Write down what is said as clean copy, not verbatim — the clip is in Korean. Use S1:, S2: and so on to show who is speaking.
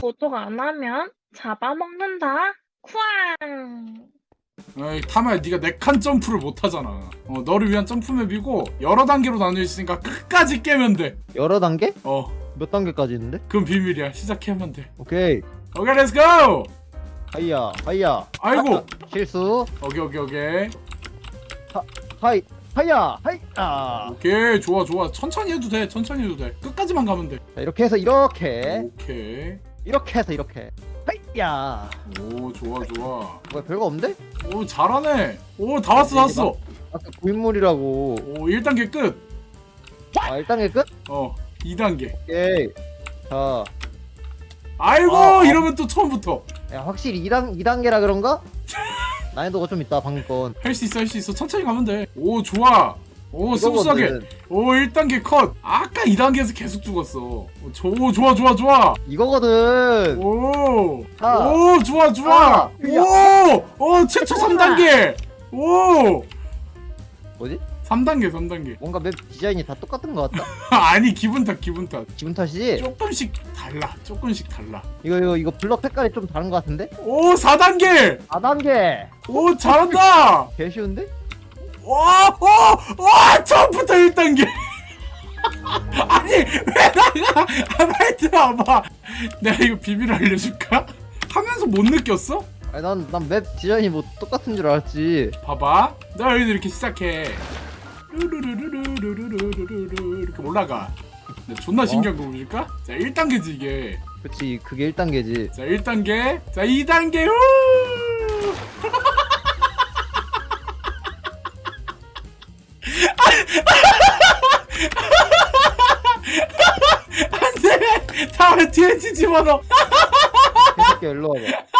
S1: 도둑 안 하면 잡아먹는다. 쿠앙.
S2: 에이 타마야, 네가 4칸 점프를 못하잖아. 너를 위한 점프맵이고 여러 단계로 나뉘어 있으니까 끝까지 깨면 돼.
S3: 여러 단계?
S2: 어
S3: 몇 단계까지 있는데?
S2: 그건 비밀이야. 시작하면 돼.
S3: 오케이.
S2: 오케이 렛츠고.
S3: 하이야 하이야.
S2: 아이고.
S3: 아, 실수.
S2: 오케이.
S3: 하이 하이야 하이야.
S2: 오케이 좋아. 천천히 해도 돼. 끝까지만 가면 돼.
S3: 자, 이렇게 해서 이렇게
S2: 오케이.
S3: 해서 이렇게. 하이야.
S2: 오 좋아.
S3: 뭐야 별거 없는데?
S2: 오 잘하네. 오 다 왔어.
S3: 아까 고인물이라고.
S2: 오 1단계 끝.
S3: 아 1단계 끝?
S2: 2단계.
S3: 오케이. 자,
S2: 아이고 이러면 또 처음부터.
S3: 야, 확실히 2단계라 그런가? 난이도가 좀 있다 방금 건.
S2: 할 수 있어. 천천히 가면 돼. 오 좋아. 오 스무스하게.
S3: 이거거든.
S2: 오 1단계 컷. 아까 2단계에서 계속 죽었어. 오 좋아.
S3: 이거거든.
S2: 오 좋아.
S3: 아,
S2: 오 최초 3단계. 오
S3: 뭐지?
S2: 3단계.
S3: 뭔가 맵 디자인이 다 똑같은 것 같다.
S2: 아니 기분 탓.
S3: 기분 탓이지?
S2: 조금씩 달라.
S3: 이거 블럭 색깔이 좀 다른 것 같은데?
S2: 오 4단계.
S3: 4단계.
S2: 오 잘한다.
S3: 개 쉬운데?
S2: 와 처음부터 1단계. 아니 왜 나가. 빨리 들어와봐. 내가 이거 비밀 알려줄까? 하면서 못 느꼈어?
S3: 아니 난 맵 디자인이 뭐 똑같은 줄 알았지.
S2: 봐봐. 나 여기서 이렇게 시작해. 루루루루루루루루루루 이렇게 올라가. 근데 존나 신기한 거 보실까? 자 1단계지 이게.
S3: 그치, 그게 1단계지.
S2: 자 1단계. 자 2단계. 후! 안돼. 다음에 뒤에 집어넣어.
S3: 개새끼야 일로 와봐.